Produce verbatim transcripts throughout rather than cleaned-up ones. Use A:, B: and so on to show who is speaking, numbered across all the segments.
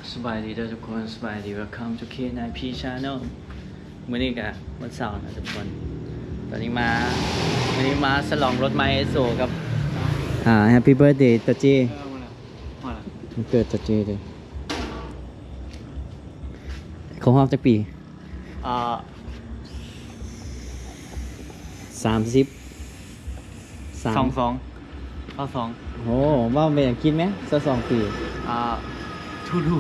A: สบายดีทุกคนสบายดี Welcome to เค ไนน์ พี Channel มื้อนี้ก็วันเสาร์นะทุกคนตอนนี้มาวันนี้มาฉลองรถไมค์โซกับอ่า Happy Birthday ตาเจมันเกิดตาเจเลยเขาฮอบจักปีอ่าสามสิบสองสองเอาสองโอ้ว่าเป็นอย่างคิดไหมสักสองปีอ่าทูดู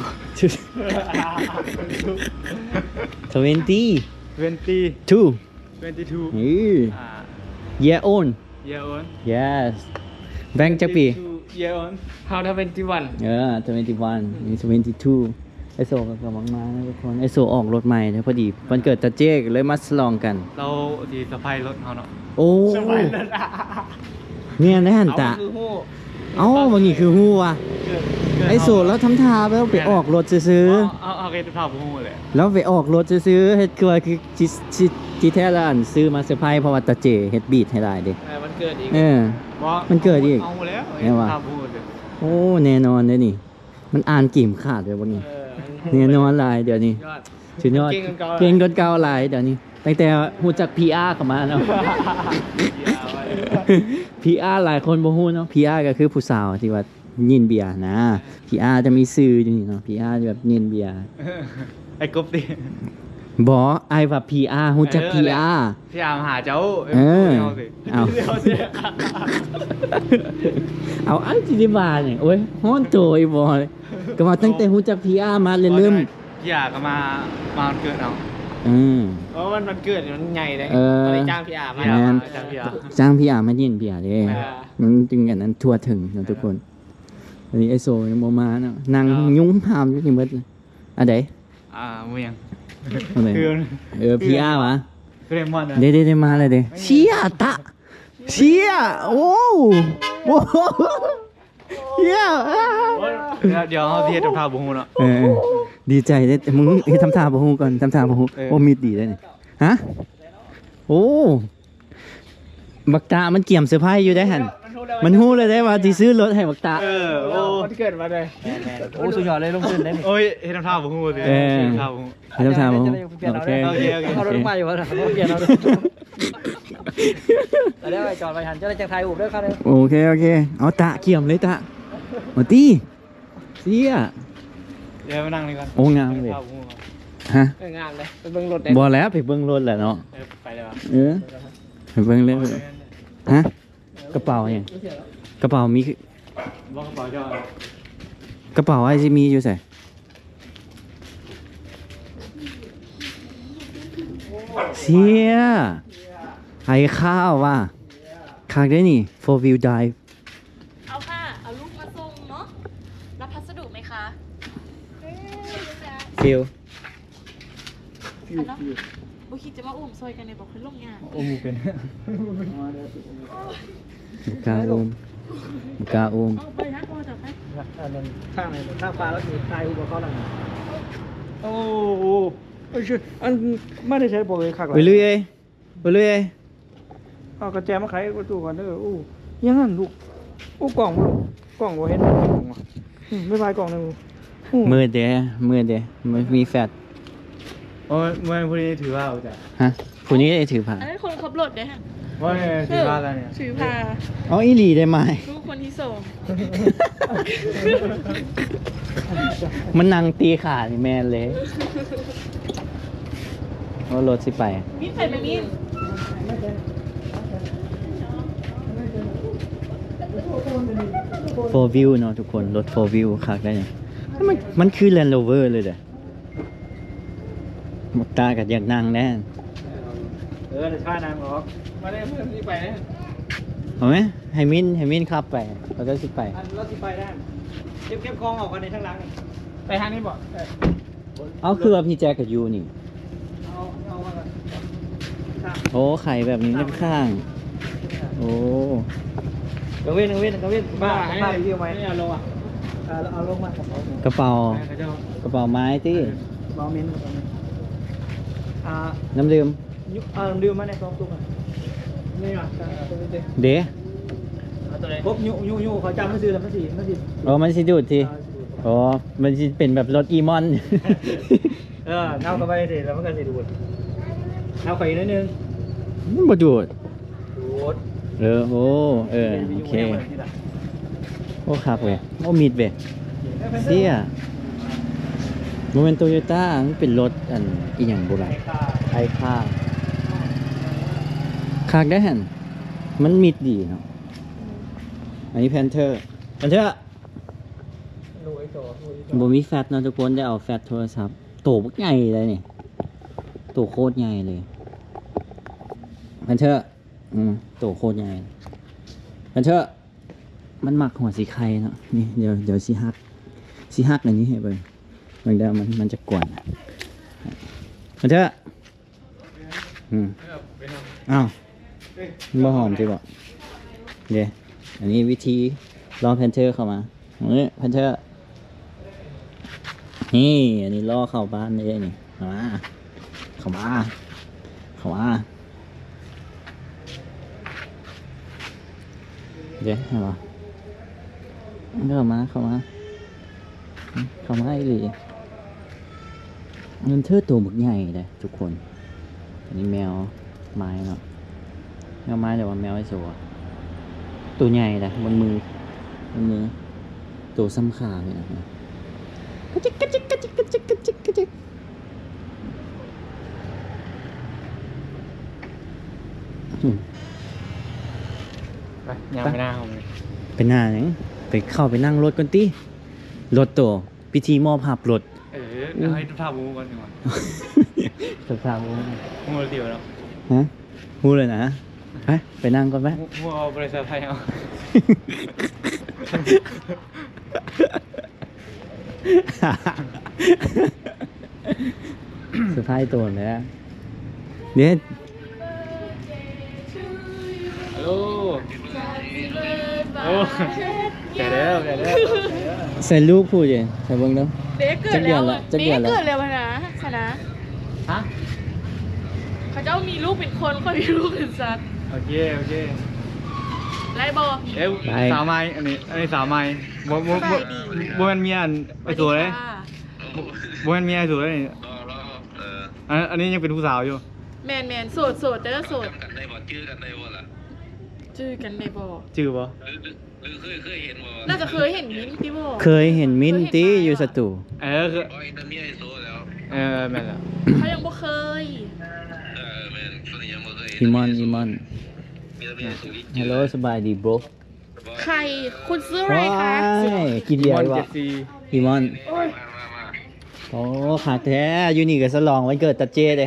A: ทเวนตี้
B: ทเวนตี้
A: ทู
B: ทเวนตี้ทู
A: เยโอน
B: เยโอน
A: yes แบงค์จักปี
B: เยโอนฮาวทเวนตี้วัน
A: เออทเวนตี้วันนี่ทเวนตี้ทูไอโซกับกำลังมานะทุกคนไอโซออกรถใหม่นะพอดีวันเกิดตาเจ๊กเลยมาฉลองกัน
B: เราดีสะพายรถเขาเนาะ
A: โอ้สะพายรถเนี่ยนะฮันตะเอ้าบางทีคือฮู้ว่ะไอโซแล้วทำท่าแล้วไปออกรถซื้อ
B: เอาเอาเกตภาพฮู้เลย
A: แล้วไปออกรถซื้อเฮ็ดคือคือจิจิแท้ละอันซื้อมาเซอร์ไพรส์เพราะว่าตาเจเฮ็ดบีทให้ได้เด้
B: เออมันเกิดอีก
A: เออมันเกิดอีก
B: เอาแล้ว
A: แน่ว่าโอ้แน่นอนเลยนี่มันอ่านกิ่มขาดเลยวันนี้แน่นอนหลายเดี๋ยวนี้สุดยอดเก่งกว่าเก่าหลายเดี๋ยวนี้ตั้งแต่ฮู้จัก พี อาร์ เข้ามาเนาะ พี อาร์ หลายคนบ่ฮู้เนาะ พี อาร์ ก็คือผู้สาวที่ว่ายินเบียร์นะ พี อาร์ จะมีชื่ออยู่นี่เนาะ พี อาร์ แบบยินเบียร์
B: ไอ้กบดิ
A: บ่ไอ้ว่า พี อาร์ ฮู้จัก พี อาร์
B: พี อาร์ มาหาเจ้า
A: เออเอาเอาอันสิได้ว่าเนี่ยโอ้ยฮ้อนโตอีบ่ก็ว่าตั้งแต่ฮู้จัก พี อาร์ มาเริ่ม
B: พี อาร์ ก็มามาเกิดเอา
A: อืม
B: เพราะมันมันเกิดมันใหญ่เลยตอนจ้าง พี อาร์ มาจ้าง พี อาร์
A: จ้าง พี อาร์ มายินเบียร์เด้มันจึงอย่างนั้นทั่วถึงนะทุกคนอันนี้ไอโซยังบ่มาเนาะนั่งยุ่งพามอยู่นี่หมดเลยอันใด
B: อ่าเมือง
A: เออ พี อาร์ วะ
B: เรมอน
A: เด้ๆๆมาเลยเด้เชี่ยตะเชี่ยโอ้โหเชี่ย
B: เดี๋ยวเขาเฮ็ดทำท่าบ่ฮู้เนาะ
A: เออดีใจเด้มึงเฮ็ดทำท่าบ่ฮู้ก่อนทำท่าบ่ฮู้โอ้มีดดีได้นี่ฮะโอ้บักตามันเกี่ยมเสื้อผ้าอยู่ได้หั่นมันฮู้เลยได้ว่าสิซื้อรถให้บักตา
B: เออโอ้มันเกิดมาเลย
A: โอ้สุดยอดเลยลงทุนได้
B: โอ้ยเฮ็ดทำท่าบ่ฮู้สิ
A: เออเฮ็ดทำท่าบ่ฮู้เฮ็ดทำท่าบ่ฮู้โอเคโอเค
C: เอารถมาอยู่ว่าเขาเปลี่ยนเอาแต่ได้ไปจอดไปหันจะได้จังไทยอุบด้วยครับเลย
A: โอเคโอเคเอาตะเกี่ยมเลยตะมาตีเสีย
B: เดี๋ยวมานั่งนี่ก่อน
A: โอ้งามเลยฮะ
C: งามเลยไปเบิ้งรถได้
A: บ่แล้วไปเบิ้งรถแหละเนาะ
B: ไปเลยว่ะ
A: เออไปเบิ้งเลยฮะกระเป๋าเนี่ยกระเป๋ามี
B: บ่กระเป๋าจอด
A: กระเป๋าไอซีมีอยู่ใส่เสียไอ้ข้าวว่ะคักได้นี่ four wheel drive
D: เอาค่ะเอาลูกมาส่งเนาะรับพัสดุไหมคะ
A: ฟิล
D: ฟิลบุคิดจะมาอุ้มซอยกันในบอกคือลงงาน
B: อุ้มเป็น
A: บุกาอุ้มบุกาอุ้ม
D: ไปนะพอจับไป
C: ข้างไหนข้างฟ้าแล้วคือตายอุปกรณ์อะไรโอ้โหไอ้ชื่ออันไม่ได้ใช้โปรเลยคักเลย
A: ไปเรื่อยไปเรื่อย
C: เอากระแจมาไขประตูก่อนเด้ออู้ยังงั้นลูกอู้กล่องบ่ลูกกล่องบ่เห็นกล่องว่ะไม่พายกล่องนึง
A: มือเด้มือเด้มันมีแฟต
B: โอ้ยเมื่อผู้นี้ถือว่าเอาจ้ะ
A: ฮะผู้นี้ได้ถือผ้า
D: อันนั้นคนขับรถเด้ฮะ
B: ว่าถือว่าอะไรเนี่ย
D: ถือผ้า
A: อ๋ออีหลีได้ไหม
D: ลูกคนที่สอง
A: มันนั่งตีขานี่แม่เลยว่ารถสิไป
D: มีใส่ไหมมี
A: โฟร์วิวเนาะทุกคนรถโฟร์วิวคักได้เนี่ยมันมันคือแลนด์โรเวอร์เลยเด้อหมดตากับอยากนั่งแน่
B: เออจะช่วยนายหรอกมาได้เพื่อนที่ไปนะ
A: เอาไหมให้มินให้มินขับไปเราจะสิไป
C: เราสิไปได้เก็บเก็บกองออกกันในทางหลังไปทางนี้บ่
A: เอาคือว่าพี่แจ๊กกับยูนี่
C: เอาเอามา
A: โอ้ไข่แบบนี้ข้างโอ้
C: กระเว้นกระเว้นกระเว้นบ้าบ้าไปยื่อไหมไม่เอาลงอ่ะเอาลงมาก
A: ระเป๋ากระเป๋าไม้ที่
C: กระเป๋าเมน
A: น้ำดื่ม
C: อ่าน้ำดื่มมาในซองตุ้งอ่ะนี่อ่ะ
A: เด้
C: ครบยุยุยุเขาจำไม่ซื้อแล้วไม่สิไม่สิ
A: อ๋อมันสิดูดทีอ๋อมันจะเป็นแบบรถอีมอน
C: เออเน่าเข้าไปสิแล้วมันก็สิดูดเน่าไปนิดนึง
A: มันบ่ดูด
C: ดูด
A: เออโอ้เออโอเคโอ้ครับเว้ยโอ้มีดเว้ยเสียโมเมนต์โตโยต้ามันเป็นรถอันอีหยังโบราณไอค่าคากได้หันมันมิดดีเนาะอันนี้แพนเทอร์แพนเทอร์
C: ดูไอ้โซ่ดูไอ้โซ่
A: บ่มีแฟตเนาะทุกคนได้เอาแฟตโทรศัพท์โตบักใหญ่เลยนี่โตโคตรใหญ่เลยแพนเทอร์อืมโตโคตรใหญ่แพนเทอร์มันหมักหัวสีไข่เนาะนี่เดี๋ยวเดี๋ยวสีฮักสีฮักอันนี้ให้เบิ่งเบิ่งเดี๋ยวมันมันจะกวนแพนเทอร์อืมอ้าวบ่หอมสิบ่เดี๋ยวอันนี้วิธีรอแพนเทอร์เข้ามานี่แพนเทอร์นี่อันนี้ล่อเข้าบ้านเลยนี่เข้ามาเข้ามาเข้ามาเดี๋ยวเข้ามาเข้ามาเข้ามาเข้ามาไอ้หลีเงินเธอตัวบึกใหญ่เลยทุกคนอันนี้แมวไม้เนาะแมวไม้แต่ว่าแมวไอ้สัวตัวใหญ่เลยบนมือบนมือตัวซ้ำขาเลยนะกระจิกกระจิกกระจิกกระจิกกระจิกกระจิกอืม
B: ไปยังไม่น่าเอาเลย
A: ไปหน้าหยังไปเข้าไปนั่งรถกันติรถตัวพิธีมอบหับรถ
B: เออเดี๋ยวให้ทุกท่ามูก่อนดีกว่า
A: สภาพ
B: มูเดียวแล้ว
A: ฮะพูดเลยนะไปไปนั่งก่อนไหม
B: มูเอาบริษัทไทยเอา
A: สภาพตัวเลยนะเด็ด
B: ฮัลโหลโอ้แก่แล้วแก่แล้ว
A: ใส่ลูกพูดยังใส่เบิ้งเนาะ
D: เด็กเกิดแล้ว
A: จักเดือนละ
D: เด็กเกิดแล้วนะชนะ
B: ฮะ
D: เขาเจ้ามีลูกเป็นคนคนมีลูกเป็นสัตว์
B: โอเคโอเค
D: ไรบอ
B: เอ้ยสาวไม้อันนี้อันนี้สาวไม้บ่บ่บ่บ่แม่นเมียอันไอ้ตัวเลยบ่แม่นเมียไอ้ตัวเลยอันอันนี้ยังเป็นผู้สาวอยู่
D: แมนแมนโสดโสดเด้อโสด
E: กันได้บ่ชื่อกันได้บ่ล่ะ
D: จื้อกันในบอ
B: จื่อบ่
E: หรือหรือเคยเคยเห็นบ่
D: น่าจะเคยเห็นมิ้นท์พี่โบ
A: เคยเห็นมิ้นตี้อยู่สตู
B: เออคือ
E: โอ้ยนั่นมีไอโซแล้ว
B: เออแม่นแล้ว
D: เขายังบ่เคย
E: เออแม่นคนนี้ยังบ่เคยเห็น
A: อีมอนอีมอน
E: มีแต่มีไอโซอีก
A: ฮัลโหลสบายดีบร
D: ใครคุณซื้ออะไร
A: ว้า
D: คะ
A: ยกินใหญ่
B: มอน
A: วะ
B: เจ็ดสี่
A: อีมอน
E: มามามา
A: โอ้ขาดแท้อยู่นี่กับสลองวันเกิดตัดเจเลย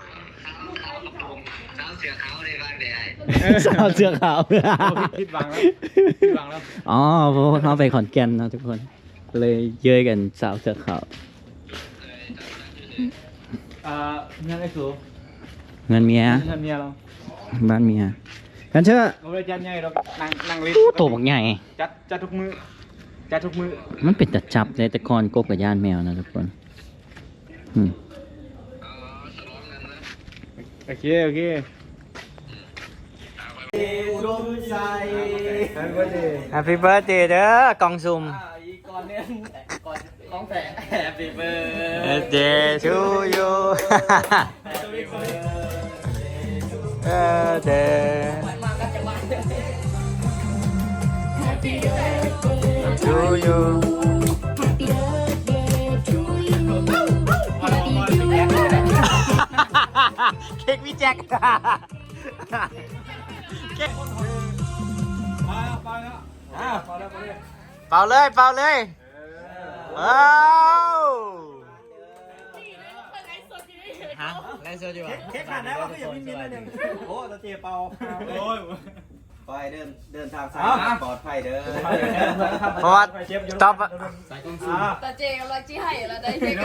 E: สาวเสือขาวในบ้านแดง
A: สาวเสื้อขาว
B: โอ้ผิดหวังแล้วผิดหวังแล้ว
A: อ๋อเพราะว่าเขาไปขอนแก่นนะทุกคน เลยเย้ยกันสาวเสื้อขาว
B: อ่าเงินไอ้สู
A: เงินเมีย
B: เงินเมียเรา
A: บ้านเมียกันเถอะ
B: เราเลยจัดใหญ่เรานั่งนั่งลิฟ
A: ตู้โตบักใหญ่
B: จัดจัดทุกมือจัดทุกมือ
A: มันเป็นตัดจับเลยแต่ก่อนกบกับย่านแมวนะทุกคนอืม
B: โอเคโอเค
A: Happy birthday เด้อกองซุ่ม
B: ก่อนเนี่ยก่อนของแฝง Happy
A: birthday to you birthday to you เค้กพี่แจ็คเค้กเป่าเลยเป่าเลยว้าวฮะไลฟ์สดอยู่
C: เค้กขาดแล้วก็อย่ามิ้นมิ้นเลยหนึ่งโอ้ตะเจียเปาโอ้ย
F: ไปเดินเดินทางสายปลอดภัยเด้อ
A: เพราะว่าต๊อป
G: ตาเจกับเราจี้ให้เราได้เช็ค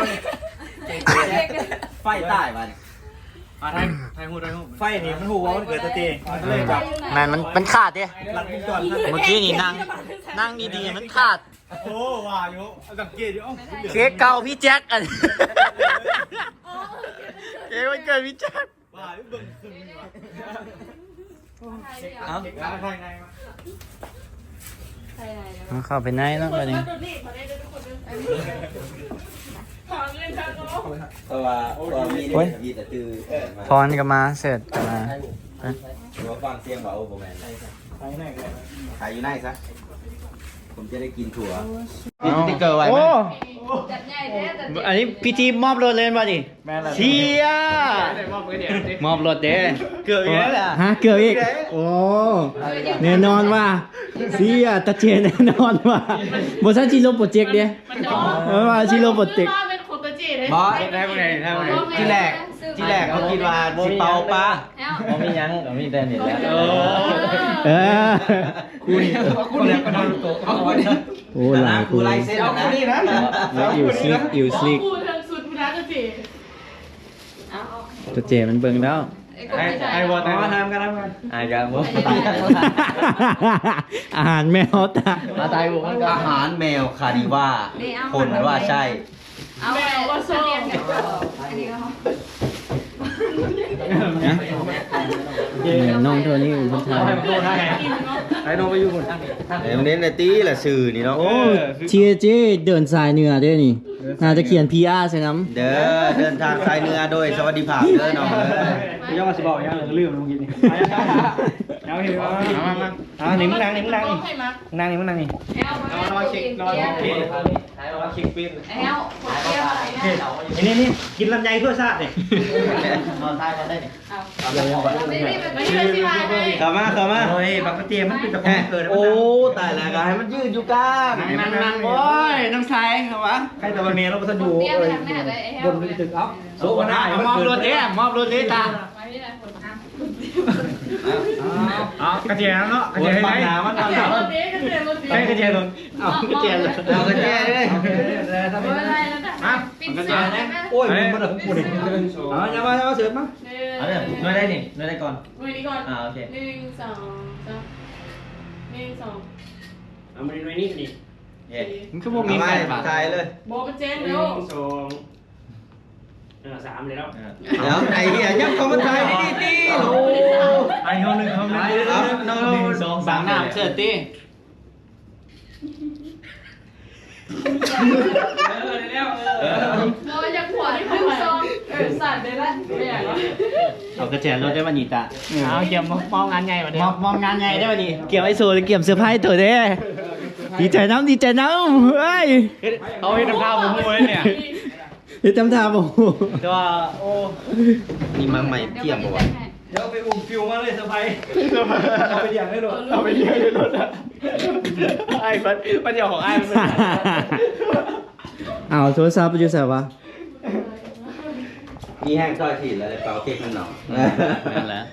F: ไฟใต้มัน
B: มาไทยไทยหูไทยหู
C: ไฟนี่มันหูว่ามันเกิดตะเจียเลยแบบ
A: แมันมันมันขาดดิ
C: หลักวงจร
A: เมื่อกี้นี่นั่งนั่งดีๆมันขาด
C: โอ้ว่าอยู่สังเกตอยู่
A: เค้กเก่าพี่แจ็คอันเค้กวันเกิดพี่แจ็ค
C: ว่าอยู่เบิ่งขึ้นว่ะ
A: เอา
C: เค้กภายในมา
G: รไหนเดี๋ยว
A: เอาเข้าไปไหนเนาะบัดนี้
D: ตัวนี้มาได้ทุกคนเลยถามเงินทางก็
F: เพราะว่าเพราะว่ามีเนี่ยมีแต่ตื้อเออมา
A: พรก็มาเสร็จก็มาฮะ
F: เพราะว่าฟังเสียงว่าโอ้โหแมน
C: ไปไหนกัน
F: ขายอยู่ไหนซะผมจะได้กินถั่ว
A: เอา
F: ติ๊กเกอร์ไว้ไหม
A: โอ้
G: จัดใหญ่แท้จัดใหญ่
A: อันนี้พิธีมอบรถเลยป่ะดิ
C: แม่ละ
A: เชียมอบรถเด้เกือบอีกแล้วฮะเกือบอีกโอ้แน่นอนว่าเสียตะเจแน่นอนว่าบทสันชิโร่โปรเจกต์เด้เออว่าชิโร่โปรเจกต์
D: เป็นคนตัวจีเลย
F: บอส
B: ได้พวกไหนได้พวกไหน
F: ที่แรกที่แรกเขาคิดว่าสิเปาปลา
G: แล้ว
A: บ่มีหยังบ่มีแต่นี่แหละ
G: โอ้
A: เออ
B: คุณคุณเนี่ยก็นอนโต๊ะเอาคุณ
A: โอ้หลาย
F: กูไล่เส้น
B: เอา
F: นะ
B: คุณนี่นะ
A: แล้วอยู่สลิกอยู่สลิก
D: พูดทางสุดพุทธะตัวจี
G: เอาเอา
A: ตัวเจมันเบิ่งแล้ว
G: ไอ้กบ
B: ไอ้
G: ที่ใส่
B: ไอ้วอตมาทำกันทำกัน
A: อายกันบ่อาหารแมวตามาตายบุกมันก็
F: อาหารแมวคาดิว่าคนว่าใช่
G: เอาไปว่าโซ่เรียนกันอันนี้ก็เขา
A: เนี่ยน้องเท่านี้อยู่คนไท
B: เอาให้
A: ย
B: มันโดนให้ไอ้น้องไปอยู่คน
F: เดี๋ยวเน้นในตีแหละสื่อนี่เนาะ
A: โอ้เชียเจเดินสายเหนือด้วยนี่น่าจะเขียน พี อาร์ ใช่น้ำ
F: เด้อเดินทางสายเหนือโดยสวัสดิภาพเด้อน้องเด้อ
B: ย่อมาสิบอกย่อเลยลืมลงกินนี่เอาเห็นว่าเอามาเอาหนิมึงนั่งหนิมึงนั่งนี่
D: ให้มา
B: นั่งนี่มึงนั่งนี่
G: แอล
B: เอานอนเช็คนอนเช็คเอาเช็คปิ้น
G: แอลขวดเดียวอะไรนะ
B: นี่นี่กินลำไยเพื่อชาติเนี่ย
A: นอนใต้กันได้นี่
G: เอาไม่ได้แบบ
D: ไม่
G: นี้
D: ได้ที่มาให้
F: เข้ามาเข้ามา
B: โอ้ยบักกระเทียมมันเป็นตะกอนเกิด
F: โอ้ตายแล้วก็ให้มันยืดอยู่กลาง
A: นั่งนั่งโอ้ยน้องชายเหรอวะ
B: ใครแต่วันนี้เราจะอยู่
G: เตี้ยไปทางไหนเลยแอล
B: บนตึกเอ้าโซ่กันได้
A: มอบรถเด้มอบรถเด้ตา
G: ไปที่ไหนคนอ่ะ
B: อ๋อกระเทียมเนาะกระเทียมให้ไหนมัน
D: เดี๋ยวรถนี้ก็เดี๋ยวรถนี้
B: ให้กระเทียมลง
A: เอากระเจียนเลย
F: เอากระเจี๊ยบเลย
G: อะไรแล้วนะปิดเสียงได้ไหม
F: โอ้ยมันมันของกูนี่
B: อ๋ออย่ามาอย่ามาเสือมา
A: เอาเลยนวดได้นี่นวดได้ก่อน
D: มือนี้ก่อน
A: อ่าโอเค
D: หนึ่งสองสามหนึ่งสอง
B: เอามาในนี้นี่
A: เย้มันคือพวกมี
F: เอา
A: แฟ
F: มาน
A: ป่ะ
F: ถ่ายเลย
D: โบเป็นเจน
B: หนึ่
D: เร็ว
B: งสองเออสามเลยแล้ว
F: เดี๋ยวไอ้เหี้ยยับเข้ามาถ่ายนี่ดิโอ้
B: ไอ้เขาหนึ่งเขาหนึ่ง
F: เอาน้อง
B: หนึ่งสอง
A: บา
B: สาง ม
A: น้ำเสื้อตี
G: โอ้ยจะขวดที่คุณซองเออสั่นเลยละไม่อยากแล้ว
A: เอากระเจียนรถได้วันนี้ตา
B: เอาเกี่ยวมองงานใหญ่มาเดี๋ย
A: ม
B: ว
A: อบมอบงานไงได้วันนี้เกี่ยวไอ้โซ่เกี่ยวเสื้อผ้าตัวเด้ดีใจน้ำดีใจน้ำเฮ้ย
B: เอาให้ทำท่าผมเลยเนี่ย
A: เดี๋ยวจำทาบอก
B: แต่ว่าโอ้
F: นี่มาใหม่เที่ยงบ่วะ
B: เดี๋ยวไปอุ้มฟิวมาเลยสบายเอาไปเลี้ยงได้รถเอาไปเลี้ยงได้รถอ่ะไอ้ปันปัญญาของไอ้มันเป็น
A: เอาโทรศัพท์ไปอยู่ใส่วะ
F: มีแห้งซอยถีดแล้วเป่าเค้กมันหนอง
A: นั่นแหละ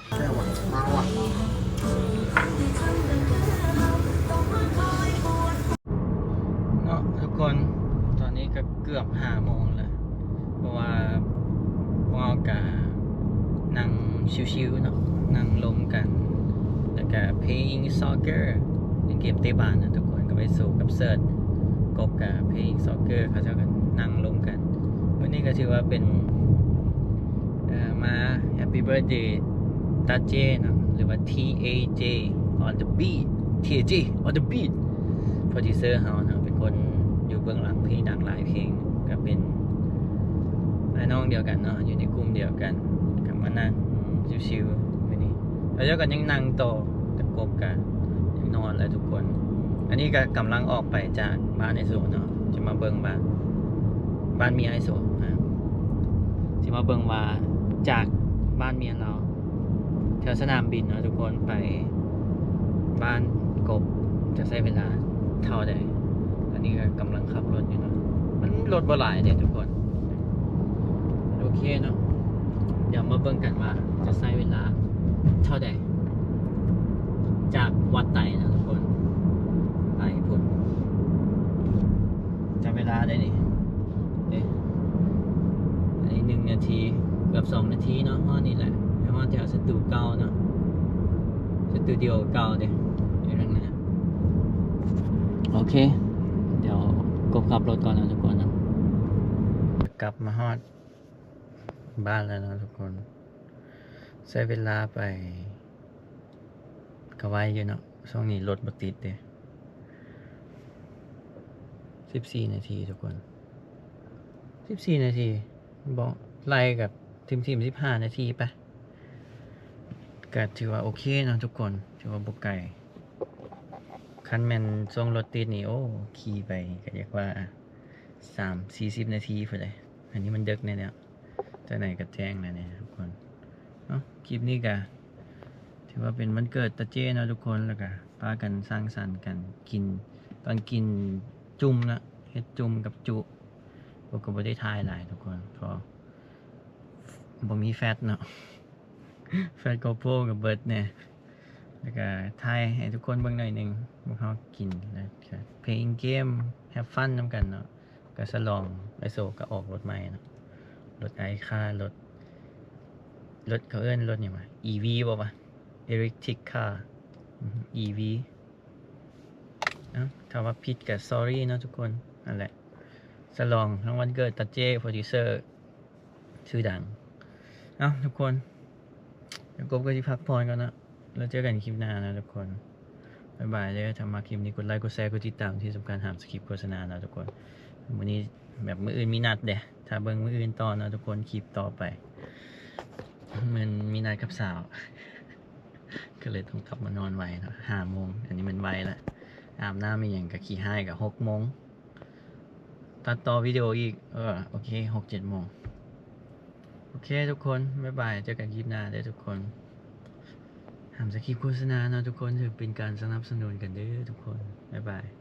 A: เนาะทุกคนตอนนี้ก็เกือบห้าโมงแล้วเพราะว่าพวกเรากะนั่งชิวๆเนาะนั่งลมกันแล้วก็ playing soccer เล่นเกมเตะบอลนะทุกคนก็ไปสู่กับเซิร์ชกบกับ playing soccer เขาจะกันนั่งลมกันวันนี้ก็ถือว่าเป็นเอ่อมา Happy Birthday ตาเจเนาะหรือว่า ที เอ เจ on the beat ที เอ เจ on the beat โปรดิวเซอร์เฮาเนาะเป็นคนอยู่เบื้องหลังเพลงดังหลายเพลงก็เป็นพี่น้องเดียวกันเนาะอยู่ในกลุ่มเดียวกันก็มานั่งชิวๆวันนี้แล้วเจ้าก็ยังนั่งต่อตะกบกันยังนอนเลยทุกคน อันนี้ก็กำลังออกไปจากบ้านไอโซเนาะจะมาเบิ่งบ้านบ้านเมียไอโซนะจะมาเบิ่งว่าจากบ้านเมียเราแถวสนามบินเนาะทุกคนไปบ้านกบจะใช้เวลาเท่าใดอันนี้ก็กำลังขับรถอยู่เนาะมันรถบ่หลายเด็ทุกคนโอเคเนาะเดี๋ยวมาเบิ่งกันว่าจะใช้เวลาเท่าใดจากวัดไต่นะทุกคนไปพุ่นจำเวลาได้นี่เอ๊ะอันนี้หนึ่งนาทีเกือบสองนาทีเนาะห้อนี่แหละแล้วห้อแถวสตูเก่าเนาะสตูดิโอเก่าเด้อยู่ตรงนั้นโอเค เดี๋ยวกบขับรถก่อนนะทุกคนนะกลับมาฮอดบ้านแล้วนะทุกคนใช้เวลาไปก็ไว้อยู่เนาะช่วงนี้รถบ่ติดเด้สิบสี่นาทีทุกคนสิบสี่นาทีบอกไล่กับทีมทีมสิบห้านาทีไปก็ถือว่าโอเคเนาะทุกคนถือว่าบุกไก่คันแมนช่วงรถติดนี่โอ้ขี่ไปก็เรียกว่าสามสี่สิบนาทีพอเลยอันนี้มันเดึกเนี่ยเนี่ยแต่ไหนก็แจ้งนะเนี่ยทุกคนเนาะคลิปนี้ก็ถือว่าเป็นวันเกิดตาเจ้เนาะทุกคนแล้วก็พากันสร้างสรรค์กันกินตอนกินจุ่มนะเฮ็ดจุ่มกับจุพวกก็ไม่ได้ทายหลายทุกคนเพราะบ่มีแฟตเนาะ แฟตโกโปรกับเบิร์ดเนี่ยแล้วก็ทายให้ทุกคนเบิ่งหน่อยหนึงพวกเขากินแล้วก็เพลงเกมแฮปฟันนำกันเนาะก็สลองไอโซก็ออกรถใหม่เนาะรถไอค่ารถรถเขาเอิ้นรถเนี่ยมา อี วี บ่ปะ Electric Car อือฮึ อี วี เอ้าถ้าว่าผิดกับ sorry เนาะทุกคนนั่นแหละสลองทั้งวันเกิดตัดเจ้โปรดิวเซอร์ชื่อดังเอ้าทุกคนเดี๋ยวกบก็ที่พักพรก่อนนะแล้วเจอกันคลิปหน้านะทุกคนบ๊ายบายเลยถ้ามาคลิปนี้กดไลค์กดแชร์กดติดตามที่สำคัญห้ามสกิปโฆษณานะทุกคนวันนี้แบบมื้ออื่นมีนัดเด้ถ้าเบิ่งมื้ออื่นต่อนะทุกคนคลิปต่อไปมันมีนัดกับสาว ก็เลยต้องกลับมานอนไวเนาะห้าโมงอันนี้มันไวละอาบน้ำมีอย่างกับขี่ห้ากับหกโมงตัดต่อวิดีโออีกเออโอเคหกเจ็ดโมงโอเคทุกคนบ๊ายบายเจอกันคลิปหน้าเด้อทุกคนห้ามสกิปโฆษณาเนาะทุกคนถือเป็นการสนับสนุนกันเด้อทุกคนบ๊ายบาย